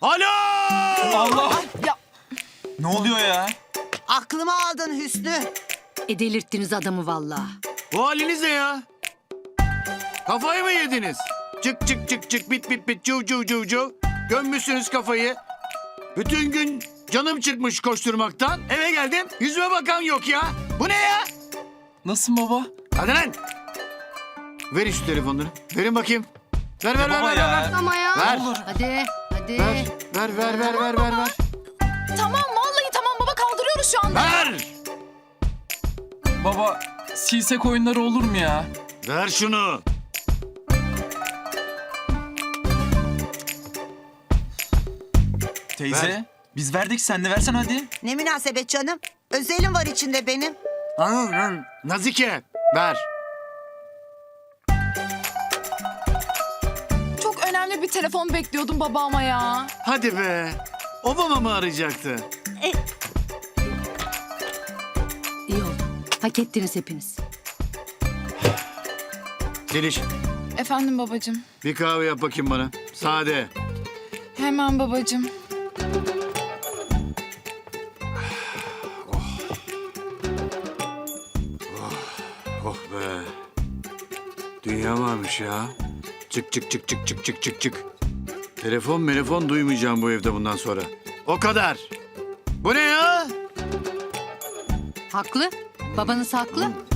Alo! Allah! Ya Ne oluyor ya? Aklımı aldın Hüsnü. Delirttiniz adamı vallahi. Bu haliniz ne ya? Kafayı mı yediniz? Çık çık çık çık bit bit bit cuv cuv cuv cuv. Gömmüşsünüz kafayı. Bütün gün canım çıkmış koşturmaktan. Eve geldim yüzüme bakan yok ya. Bu ne ya? Nasılsın baba? Hadi lan. Verin şu telefonları. Verin bakayım. Ver ver ver Baba ver ya. ver. Ama ya. Ver. Hadi. Hadi. Ver. tamam vallahi tamam baba kaldırıyoruz şu anda. Ver. Baba silsek oyunları olur mu ya? Ver şunu. Teyze Ver. biz verdik sen de versen hadi. Ne münasebet canım. Özelim var içinde benim. Nazike ver. Çok önemli bir telefon bekliyordum babama ya. Hadi be. Obama mı arayacaktı? İyi oldu. Hak ettiniz hepiniz. Zeliş Efendim babacığım. bir kahve yap bakayım bana. Sade. Hemen babacığım. Oh be. Dünya varmış ya. Çık çık çık çık çık çık çık çık. Telefon duymayacağım bu evde bundan sonra. O kadar. Bu ne ya? Haklı. Babanız haklı.